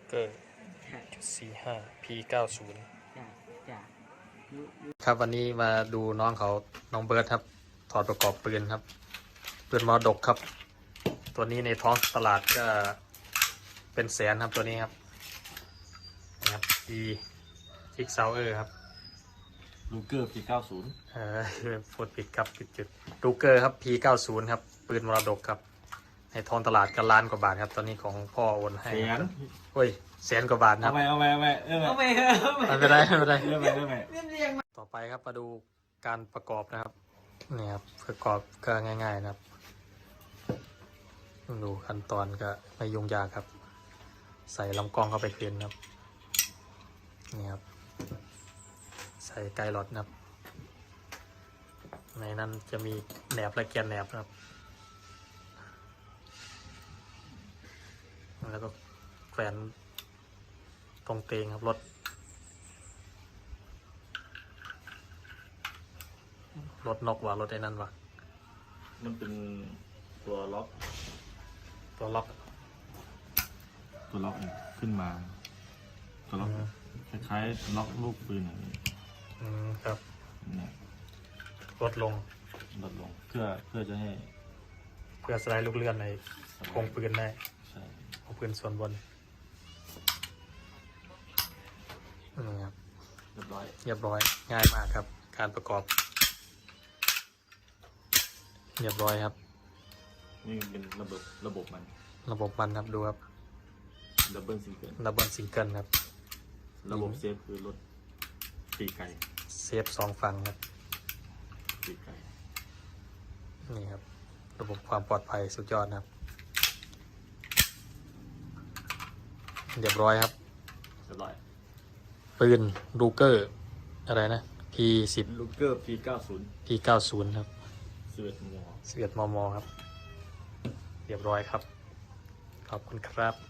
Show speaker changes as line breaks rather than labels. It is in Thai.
เกอร์.45 P90
จ้ะ
ครับวันนี้มาดูน้องเขาน้องเบิร์ดครับถอดประกอบปืนครับปืนมรดกครับตัวนี้ในท้องตลาดก็เป็นแสนครับตัวนี้ครับนะครับ P6 Sauer ครับ
ลูเกอร์ปี90
พูดผิดครับผิดจุดลูเกอร์ครับ P90 ครับปืนมรดกครับในท้องตลาดก็ล้านกว่าบาทครับตอนนี้ของพ่อโอนให้โอ้ยแสนกว่าบาทครับ
เอาไป
ไม่เป็นไรต่อไปครับมาดูการประกอบนะครับนี่ครับประกอบก็ง่ายๆนะครับดูขั้นตอนก็ไม่ยุ่งยากครับใส่ลำกล้องเข้าไปคืนครับนี่ครับใส่ไกลอดนะครับในนั้นจะมีแหนบและแกนแหนบนะครับแล้วก็แขวนตรงเตงครับรถนกว่ารถไอ้นั่นว่ะ
มันเป็นตัวล็อก
ตัวล็อก
ขึ้นมาตัวล็อกคล้ายๆล็อกลูกปืนอย่างนี้
ครับ
เนี่ย
ลดลง
เพื่อจะให้
เพื่อสไลด์ลูกเลื่อนในโครงปืนได้
ใช่
ของปืนส่วนบนนี่ครับ
เรียบ
ร้อยง่ายมากครับการประกอบเรียบร้อยครับ
นี่เป็นระบบมัน
ครับดูครับ
ดับเบิลซิงเ
กิลครับ
ระบบเซฟคือรถปีกไก่
เซฟ2ฝั่งครับ
ปีกไก่
นี่ครับระบบความปลอดภัยสุดยอดครับเรียบร้อยครับปืนลูเกอร์อะไรนะ P10
ลูเกอร์
P90 ครับ
11 มม.
11 มม. ครับเรียบร้อยครับขอบคุณครับ